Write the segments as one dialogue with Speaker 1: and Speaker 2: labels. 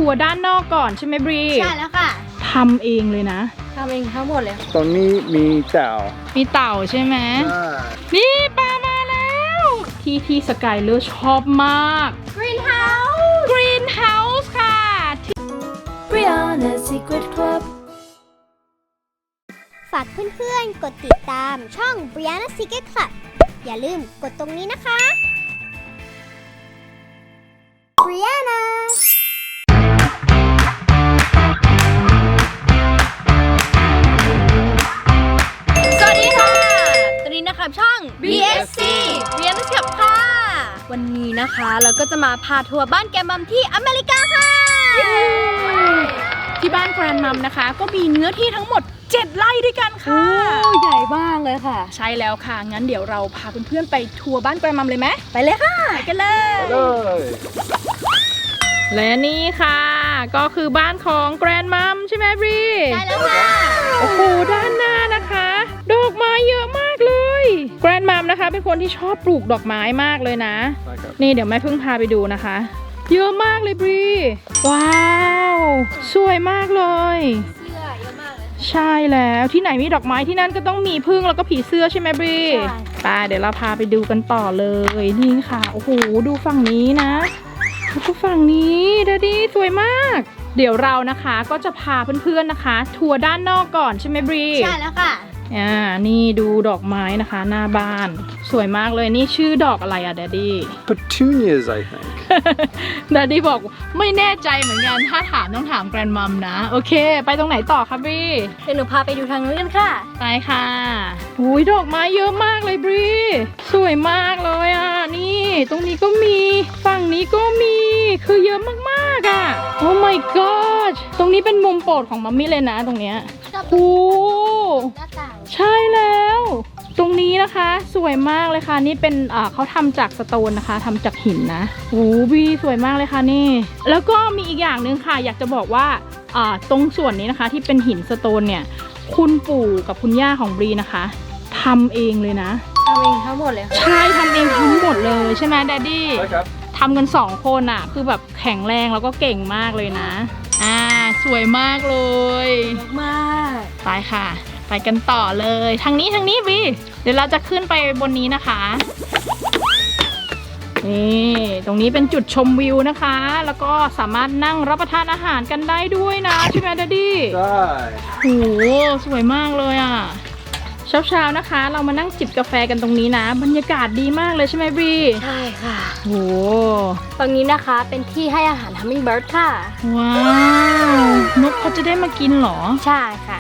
Speaker 1: ทัวร์ด้านนอกก่อนใช่ไหมบรี
Speaker 2: ใช่แล้วค่ะ
Speaker 1: ทำเองเลยนะ
Speaker 2: ทำเองทั้งหมดเลย
Speaker 3: ตรงนี้มีเต่า
Speaker 1: ใช่ไหมนี่ปลามาแล้วที่สกายเลอร์ชอบมาก Green House ค่ะ
Speaker 2: Brianna's Secret Club
Speaker 4: ฝากเพื่อนๆกดติดตามช่อง Brianna Secret Club อย่าลืมกดตรงนี้นะคะ Brianna
Speaker 2: สวัสดีค่ะตอนนี้นะครับช่อง BSC Brianna's Club ค่ะวันนี้นะคะเราก็จะมาพาทัวร์บ้านแกมัมที่อเมริกาค่ะ
Speaker 1: ที่บ้านแกรนมัมนะคะก็มีเนื้อที่ทั้งหมด7 ไร่ด้วยกันค่ะ
Speaker 2: ใหญ่มากเลยค่ะ
Speaker 1: ใช่แล้วค่ะงั้นเดี๋ยวเราพาเพื่อนๆไปทัวร์บ้านแกรนมัมเลยไหม
Speaker 2: ไปเลยค่ะ
Speaker 1: ไปกันเลยและนี่ค่ะก็คือบ้านของแกรนมัมใช่ไหมบรี
Speaker 2: ใช่แล้วค่ะ
Speaker 1: โอ้โหด้านหน้านะคะดอกไม้เยอะมากเลยแกรนมัมนะคะเป็นคนที่ชอบปลูกดอกไม้มากเลยนะนี่เดี๋ยวแม่พึ่งพาไปดูนะคะเยอะมากเลยบรีว้าวสวยมากเลย
Speaker 2: เสื้อเยอะมากเลย
Speaker 1: ใช่แล้วที่ไหนมีดอกไม้ที่นั่นก็ต้องมีผึ้งแล้วก็ผีเสื้อใช่ไหมบรีไปเดี๋ยวเราพาไปดูกันต่อเลยนี่ค่ะโอ้โหดูฝั่งนี้นะแล้วก็ฝั่งนี้ดูดิสวยมากเดี๋ยวเรานะคะก็จะพาเพื่อนๆนะคะทัวร์ด้านนอกก่อนใช่ไหมบรี
Speaker 2: ใช่แล้วค่ะ
Speaker 1: นี่ดูดอกไม้นะคะหน้าบ้านสวยมากเลยนี่ชื่อดอกอะไรอะแดดดี้
Speaker 3: Petunias I think
Speaker 1: แดดดี้บอกไม่แน่ใจเหมือนกันถ้าถามต้องถามแกรนมัมนะโอเคไปตรงไหนต่อครับบรี
Speaker 2: เดี๋ยวหนูพาไปดูทางนู้นกันค่ะ
Speaker 1: ไปค่ะอุ้ยดอกไม้เยอะมากเลยบรีสวยมากเลยอ่ะนี่ตรงนี้ก็มีฝั่งนี้ก็มีคือเยอะมากๆอ่ะโอ้ my god ตรงนี้เป็นมุมโปรดของมัมมี่เลยนะตรงเนี้ยโอ้ใช่แล้วตรงนี้นะคะสวยมากเลยค่ะนี่เป็นเขาทำจากสโตนนะคะทำจากหินนะโอ้บีสวยมากเลยค่ะนี่แล้วก็มีอีกอย่างหนึ่งค่ะอยากจะบอกว่าตรงส่วนนี้นะคะที่เป็นหินสโตนเนี่ยคุณปู่กับคุณย่าของบรีนะคะทำเองเลยนะ
Speaker 2: ทำเองทั้งหมดเลยค่ะ
Speaker 1: ใช่ทำเองทั้งหมดเลยใช่ไหมแดดดี้ใช่ครับทำกัน2 คนอ่ะคือแบบแข็งแรงแล้วก็เก่งมากเลยนะสวยมากเลย
Speaker 2: มาก
Speaker 1: ไปค่ะไปกันต่อเลยทางนี้บีเดี๋ยวเราจะขึ้นไปบนนี้นะคะนี่ตรงนี้เป็นจุดชมวิวนะคะแล้วก็สามารถนั่งรับประทานอาหารกันได้ด้วยนะใช่ไหมดัดดี้
Speaker 3: ใช่
Speaker 1: โหสวยมากเลยอ่ะเช้านะคะเรามานั่งจิบกาแฟกันตรงนี้นะบรรยากาศดีมากเลยใช่ไหมบี
Speaker 2: ใช่ค่ะ
Speaker 1: โห
Speaker 2: ตรงนี้นะคะเป็นที่ให้อาหาร Hummingbird ค่ะ
Speaker 1: ว้าวนกเขาจะได้มากินเหรอ
Speaker 2: ใช่ค่ะ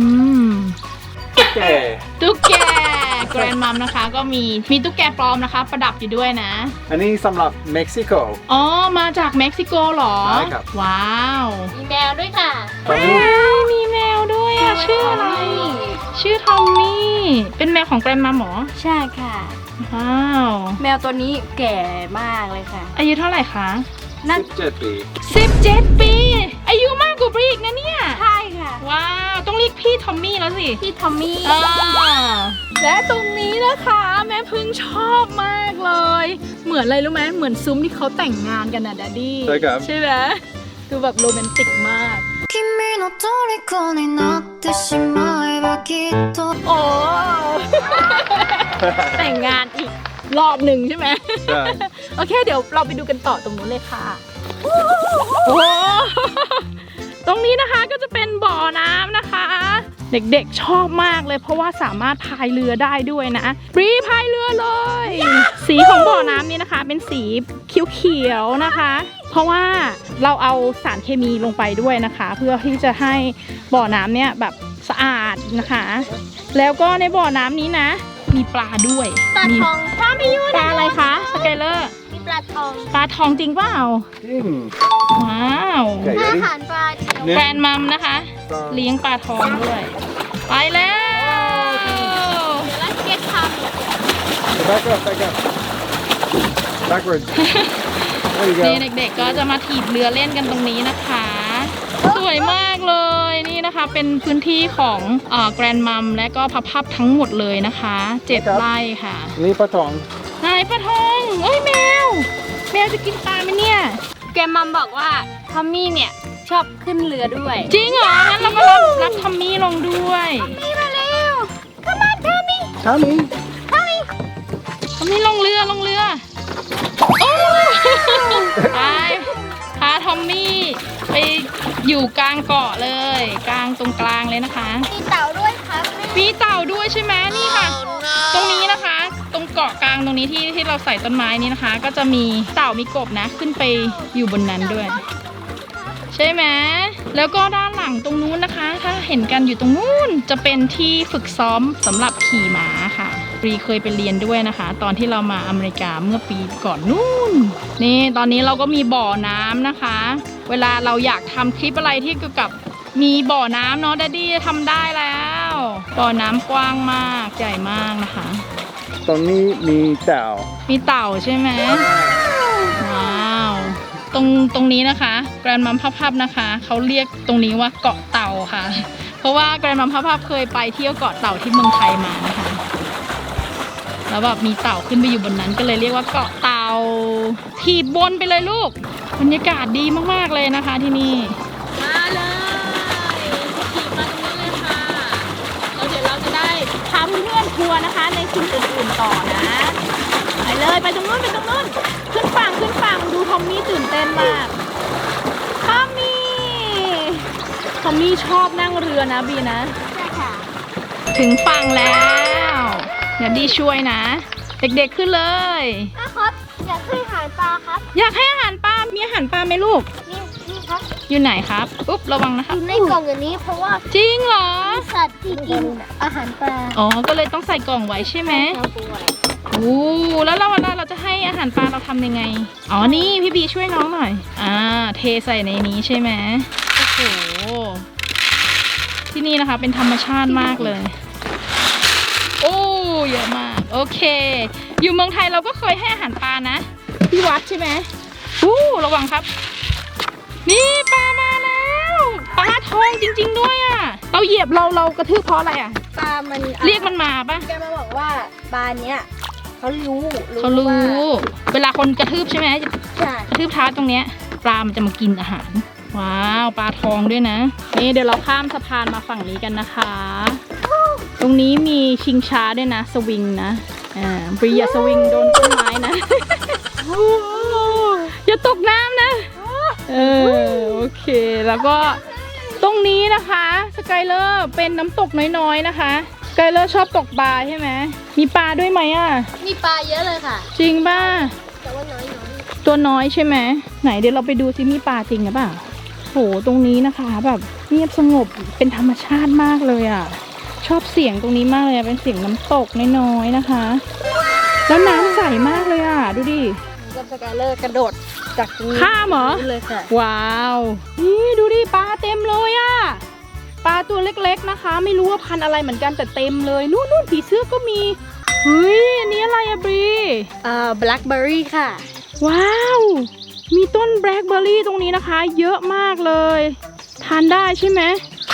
Speaker 1: ตุ๊กแกแกรนมัมนะคะก็มีตุ๊กแกปลอมนะคะประดับอยู่ด้วยนะ
Speaker 3: อันนี้สำหรับเม็กซิโก
Speaker 1: อ๋อมาจากเม็กซิโกเหรอ
Speaker 3: ใช่ครับ
Speaker 1: ว้าว
Speaker 2: มีแมวด้วยค่ะ
Speaker 1: มีแมวด้วยอะชื่ออะไรชื่อทอมมี่เป็นแมวของแกรนมัมหรอ
Speaker 2: ใช่ค่ะ
Speaker 1: ว้าว
Speaker 2: แมวตัวนี้แก่มากเลยค่ะ
Speaker 1: อายุเท่าไหร่คะ
Speaker 3: 17 ปี
Speaker 1: 17 ปีอายุมากกว่าบรีกนะเนี่ย
Speaker 2: ใช่ค่ะ
Speaker 1: ว้าวต้องเรียกพี่ทอมมี่แล้วสิ
Speaker 2: พี่ทอมมี่
Speaker 1: และตรงนี้นะคะแม่พึ่งชอบมากเลยเหมือนอะไรรู้ไหมเหมือนซุ้มที่เขาแต่งงานกันนะแดดดี้
Speaker 3: ใช่ครับ
Speaker 1: ใช่ไหมดูแบบโรแมนติกมากโอ้แต่งงานอีกรอบหนึ่งใช่ไหม
Speaker 3: ใช่
Speaker 1: โอเคเดี๋ยวเราไปดูกันต่อตรงนู้นเลยค่ะโอ้ตรงนี้นะคะก็จะเป็นบ่อน้ำนะคะเด็กๆชอบมากเลยเพราะว่าสามารถพายเรือได้ด้วยนะบรีพายเรือเลยสีของบ่อน้ำนี้นะคะเป็นสีเขียวๆนะคะเพราะว่าเราเอาสารเคมีลงไปด้วยนะคะเพื่อที่จะให้บ่อน้ำเนี่ยแบบสะอาดนะคะแล้วก็ในบ่อน้ำนี้นะมีปลาด้วย
Speaker 2: ปลาทองถ้าไม่ยุ่ง
Speaker 1: ปลาอะไรคะสเกลเลอร์
Speaker 2: มีปลาทอง
Speaker 1: จริงเปล่า
Speaker 3: จริง
Speaker 1: ว้าว
Speaker 2: อาหารปลา
Speaker 1: แกรนมัมนะคะเลี้ยงปลาทองด้วยไปแล้ว
Speaker 2: เดี๋ยวเราเก็ตทำ
Speaker 3: backwards
Speaker 1: นี่เด็กๆก็จะมาถีบเรือเล่นกันตรงนี้นะคะสวยมากเลยนี่นะคะเป็นพื้นที่ของแกรนมัมและก็พับทั้งหมดเลยนะคะ7 ไร่ค่ะ
Speaker 3: นี่ปลาทอง
Speaker 1: ไหนปลาทองเอ้ยแมวจะกินปลาไหมเนี่ย
Speaker 2: แกมัมบอกว่าทอมมี่เนี่ยชอบขึ้นเรือด้วย
Speaker 1: จริงเหรอ งั้นเราก็รับทอมมี่ลงด้วย
Speaker 2: นี่มาเร็วเข้ามาทอมมี่
Speaker 3: Tommy
Speaker 1: ทอมมี่ลงเรือโอ้ไปพาทอมมี่ไปอยู่กลางเกาะเลย กลางตรงกลางเลยนะคะ
Speaker 2: มีเต่าด้วยครับ
Speaker 1: มีเต่าด้วยใช่ไหมนี่ค่ะ ตรงนี้นะคะ ตรงเกาะกลางตรงนี้ที่เราใส่ต้นไม้นี้นะคะ ก็จะมีเต่ามีกบนะขึ้นไปอยู่บนนั้นด้วย ใช่ไหมแล้วก็ด้านหลังตรงนู้นนะคะ ถ้าเห็นกันอยู่ตรงนู้นจะเป็นที่ฝึกซ้อมสำหรับขี่ม้าค่ะรีเคยไปเรียนด้วยนะคะ ตอนที่เรามาอเมริกาเมื่อปีก่อนนู่นนี่ตอนนี้เราก็มีบ่อน้ำนะคะ เวลาเราอยากทำคลิปอะไรที่เกี่ยวกับมีบ่อน้ำเนาะดัดดี้ทำได้แล้ว บ่อน้ำกว้างมากใหญ่มากนะคะ
Speaker 3: ตรงนี้มีเต่า
Speaker 1: มีเต่าใช่ไหมว้าวตรงนี้นะคะแกรนมัมพับนะคะเขาเรียกตรงนี้ว่าเกาะเต่าค่ะ เพราะว่าแกรนมัมพับเคยไปเที่ยวเกาะเต่าที่เมืองไทยมานะคะแล้วแบบมีเต่าขึ้นไปอยู่บนนั้นก็เลยเรียกว่าเกาะเต่าถีบบนไปเลยลูกบรรยากาศดีมากๆเลยนะคะที่นี่มาเลยขี่มาตรงนี้เลยค่ะแล้วเดี๋ยวเราจะได้พาเพื่อนๆทัวร์นะคะในสิ่งอื่นๆต่อนะไปเลยไปตรงนู้นขึ้นฝั่งดูทอมมี่ตื่นเต้นมากทอมมี่ชอบนั่งเรือนะบีนะ
Speaker 4: ใช่ค่ะ
Speaker 1: ถึงฝั่งแล้วเดี๋ยวดีช่วยนะ เด็กๆขึ้นเลย
Speaker 4: ครับอยากให้อาหารปลาครับ
Speaker 1: อยากให้อาหารปลา มีอาหารปลาไหมลูก
Speaker 4: นี่ครับ
Speaker 1: อยู่ไหนครับอุ๊บระวังนะคะ
Speaker 4: อยู่ในกล่องอย่างนี้เพราะว่า
Speaker 1: จริงเหรอ
Speaker 4: สัตว์ที่กินอาหารปลา
Speaker 1: อ๋อก็เลยต้องใส่กล่องไว้ใช่ไหมโอ้แล้วเราเวลาเราจะให้อาหารปลาเราทำยังไงอ๋อนี่พี่บีช่วยน้องหน่อยเทใส่ในนี้ใช่ไหมโอ้โหที่นี่นะคะเป็นธรรมชาติมากเลย โอ้เยอะมากโอเค อยู่เมืองไทยเราก็เคยให้อาหารปลานะที่วัดใช่ไหมระวังครับ นี่ปลามาแล้วปลาทองจริงๆด้วยอ่ะเราเหยียบเรากระทืบเพราะอะไรอ่ะ
Speaker 2: ปลามัน
Speaker 1: เรียกมันมาปะ
Speaker 2: แกมาบอกว่าปลาเนี้ยเขารู้
Speaker 1: เขารู้
Speaker 2: ว่า
Speaker 1: เวลาคนกระทืบใช่ไหม
Speaker 2: ใช่
Speaker 1: กระทืบเท้าตรงเนี้ยปลามันจะมากินอาหารว้าวปลาทองด้วยนะนี่เดี๋ยวเราข้ามสะพานมาฝั่งนี้กันนะคะ ตรงนี้มีชิงช้าด้วยนะสวิงนะบรีอย่าสวิงโดนต้นไม้นะ อย่าตกน้ำนะโอเคแล้วก็ตรงนี้นะคะสกายเลอร์เป็นน้ำตกน้อยๆนะคะสกายเลอร์ชอบตกปลาใช่ไหมมีปลาด้วยไหมอ่ะ
Speaker 2: มีปลาเยอะเลยค่ะ
Speaker 1: จริงป่ะ
Speaker 4: แต่ว่าน้อย
Speaker 1: ตัวน้อยใช่ไหมไหนเดี๋ยวเราไปดูซิมีปลาจริงหรือเปล่าโหตรงนี้นะคะแบบเงียบสงบเป็นธรรมชาติมากเลยอ่ะชอบเสียงตรงนี้มากเลยเป็นเสียงน้ำตกน้อยๆนะคะ แล้วน้ำใสมากเลยอ่ะดูดิ
Speaker 2: กับสกายเลอร์กระโดดจากตรงนี้
Speaker 1: ข้ามเหรอ
Speaker 2: เลยค่ะ
Speaker 1: ว้าวนี่ดูดิปลาเต็มเลยอ่ะปลาตัวเล็กๆนะคะ ไม่รู้ว่าพันธุ์อะไรเหมือนกันแต่เต็มเลยนู่นผีเสื้อก็มีเฮ้ยอันนี้อะไรอะบรี
Speaker 2: แบล็คเบอร์รี่ค่ะ
Speaker 1: ว้าวมีต้นแบล็คเบอร์รี่ตรงนี้นะคะ เยอะมากเลยทานได้ใช่ไหม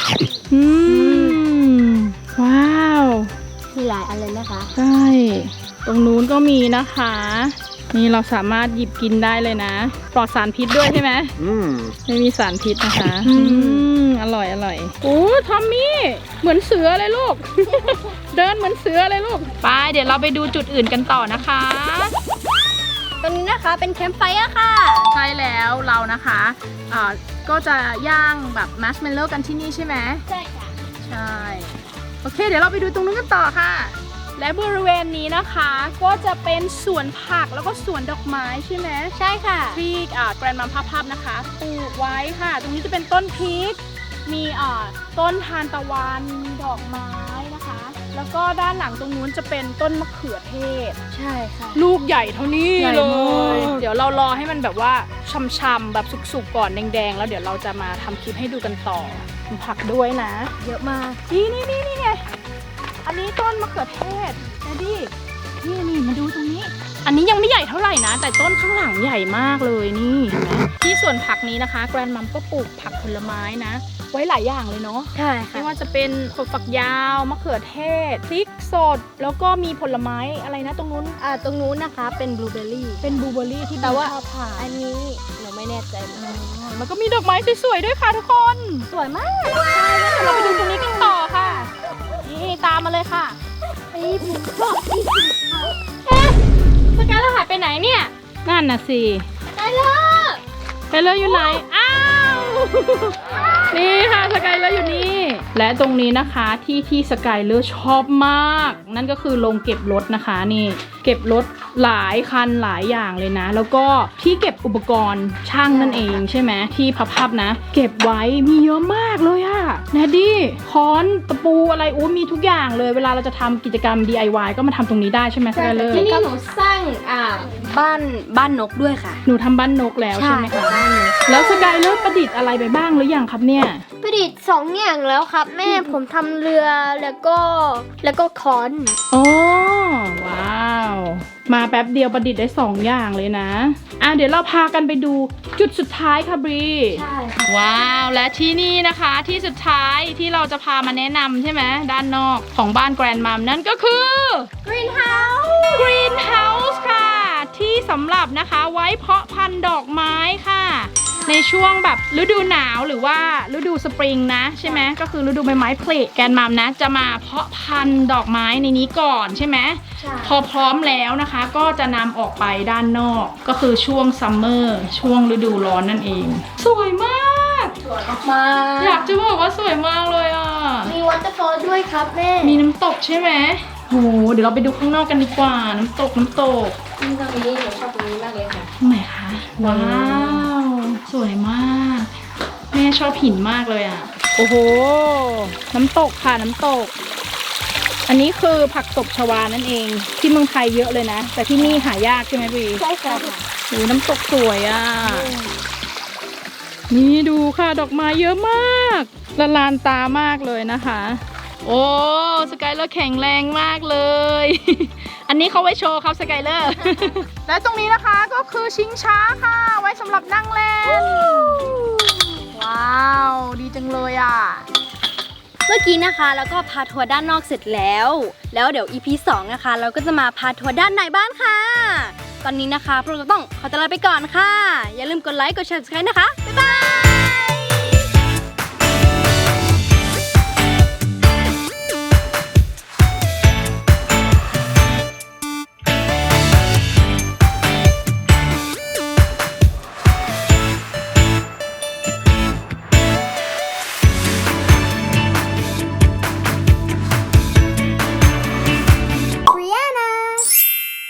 Speaker 1: ว้าว
Speaker 2: มีหลายอันเลยนะคะ
Speaker 1: ใช่ตรงนู้นก็มีนะคะ นี่เราสามารถหยิบกินได้เลยนะปลอดสารพิษด้วยใช่ไหม ไม่มีสารพิษนะคะอร่อยโอ้ทอมมี่เหมือนเสือเลยลูก เดินเหมือนเสือเลยลูกไปเดี๋ยวเราไปดูจุดอื่นกันต่อนะคะ
Speaker 2: ตรงนี้นะคะเป็นแคมป์ไฟร์ค่ะ
Speaker 1: ใช่แล้วเรานะคะก็จะย่างแบบมัชเมลโล่กันที่นี่ใช่ไหม
Speaker 2: ใช่ค่ะ
Speaker 1: ใช่โอเคเดี๋ยวเราไปดูตรงนู้นกันต่อค่ะ และบริเวณนี้นะคะก็จะเป็นสวนผักแล้วก็สวนดอกไม้ใช่ไหม
Speaker 2: ใช่ค่ะ
Speaker 1: ที่แกรนด์มัมพับนะคะปลูกไว้ค่ะ ตรงนี้จะเป็นต้นพริกมีต้นทานตะวันมีดอกไม้นะคะ แล้วก็ด้านหลังตรงนู้นจะเป็นต้นมะเขือเทศ
Speaker 2: ใช่ค่ะ
Speaker 1: ลูกใหญ่เท่านี้
Speaker 2: ใหญ่
Speaker 1: เล
Speaker 2: มาก
Speaker 1: ยเดี๋ยวเรารอให้มันแบบว่าช่ำๆแบบสุกๆก่อนแดงๆแล้วเดี๋ยวเราจะมาทำคลิปให้ดูกันต่อมีผักด้วยนะ
Speaker 2: เยอะมาก
Speaker 1: นี่ไงอันนี้ต้นมะเขือเทศนะดินี่มาดูตรงนี้อันนี้ยังไม่ใหญ่เท่าไหร่นะ แต่ต้นข้างหลังใหญ่มากเลยนี่เห็นไหมที่สวนผักนี้นะคะแกรนมัมก็ปลูกผักผลไม้นะ ไว้หลายอย่างเลยเนาะ
Speaker 2: ใช่
Speaker 1: ไม่
Speaker 2: ค่ะ
Speaker 1: ว่าจะเป็นถั่วฝักยาวมะเขือเทศพริกสด แล้วก็มีผลไม้อะไรนะตรงนู้น
Speaker 2: ตรงนู้นนะคะเป็นบลูเบอร์รี่
Speaker 1: เป็นบลูเบอร์รี่ที่
Speaker 2: แต่ว่า
Speaker 1: ชอบทาน
Speaker 2: อันนี้หนูไม่แน่ใจเหมือนกัน
Speaker 1: มันก็มีดอกไม้สวยๆด้วยค่ะทุกคน
Speaker 2: สวยมาก
Speaker 1: เราไปดูตรงนี้กันต่อค่ะ นี่ตามมาเลยค่ะ
Speaker 2: ไอ้ผมบอกที่
Speaker 1: สกายเราหายไปไหนเนี่ย นั่นน่ะสิ
Speaker 2: ได้เลย
Speaker 1: สกายเลอร์อยู่ไหน อ้าว นี่ค่ะสกายเลอร์อยู่นี่ และตรงนี้นะคะที่สกายเลอร์ชอบมาก นั่นก็คือโรงเก็บรถนะคะนี่ เก็บรถหลายคันหลายอย่างเลยนะ แล้วก็ที่เก็บอุปกรณ์ช่างนั่นเองใช่ไหมที่พับๆนะ เก็บไว้มีเยอะมากเลยอะแนดดี้ค้อนตะปูอะไรโอ้มีทุกอย่างเลยเวลาเราจะทำกิจกรรม DIY ก็มาทำตรงนี้ได้ใช่ไหมสกายเลอร์
Speaker 2: ที่นี่หนูสร้างบ้านนกด้วยค่ะ
Speaker 1: หนูทำบ้านนกแล้วใช่ไหมคะ
Speaker 2: บ้านนก
Speaker 1: แล้วสกายเลอร์ประดิษฐ์อะไรไปบ้างหรือยังครับเนี่ย
Speaker 4: ประดิษฐ์2 อย่างแล้วครับ แม่ผมทำเรือแล้วก็ค้อน
Speaker 1: โอ้ว้าว มาแป๊บเดียวประดิษฐ์ได้2 อย่างเลยนะเดี๋ยวเราพากันไปดูจุดสุดท้ายค่ะบรี
Speaker 2: ใช่ค่ะ
Speaker 1: ว้าวและที่นี่นะคะที่สุดท้ายที่เราจะพามาแนะนำใช่ไหมด้านนอกของบ้านแกรนมัมนั่นก็คือ Greenhouse ค่ะ ที่สำหรับนะคะไว้เพาะพันธุ์ดอกไม้ค่ะ ในช่วงแบบฤดูหนาวหรือว่าฤดูสปริงนะใช่ไหมก็คือฤดูใบไม้ผลิแกรนมัมนะจะมาเพาะพันธุ์ดอกไม้ในนี้ก่อนใช่ไหม
Speaker 2: ใช่
Speaker 1: พอพร้อมแล้วนะคะก็จะนำออกไปด้านนอกก็คือช่วงซัมเมอร์ช่วงฤดูร้อนนั่นเอง สวยมาก
Speaker 2: สวยมาก
Speaker 1: อยากจะบอกว่าสวยมากเลยอ่ะ
Speaker 4: มีวอเตอร์ฟอลด้วยครับแม่
Speaker 1: มีน้ำตกใช่ไหมโหเดี๋ยวเราไปดูข้างนอกกันดีกว่าน้ำตก
Speaker 2: นี่ตรงนี้หนูชอบตรงนี้มากเลยค่ะ
Speaker 1: ตรงไหนคะว้าวสวยมากแม่ชอบหินมากเลยอ่ะโอ้โหน้ำตกค่ะน้ำตก อันนี้คือผักตบชวานั่นเองที่เมืองไทยเยอะเลยนะ แต่ที่นี่หายากใช่ไหมพี่
Speaker 4: ใช่ครับ
Speaker 1: โอ้น้ำตกสวยอ่ะนี่ดูค่ะดอกไม้เยอะมากละลานตามากเลยนะคะ โอ้สกายเลอร์แข็งแรงมากเลย อันนี้เขาไว้โชว์ครับสกายเลอร์ และตรงนี้นะคะก็คือชิงช้าค่ะ ไว้สำหรับนั่งเล่น ว้าว ดีจังเลยอ่ะ
Speaker 2: เมื่อกี้นะคะแล้วก็พาทัวร์ด้านนอกเสร็จแล้วเดี๋ยว EP 2 นะคะ เราก็จะมาพาทัวร์ด้านในบ้านค่ะ ตอนนี้นะคะพวกเราต้องขอตัวลาไปก่อนค่ะ อย่าลืมกดไลค์กดแชร์ subscribe นะคะ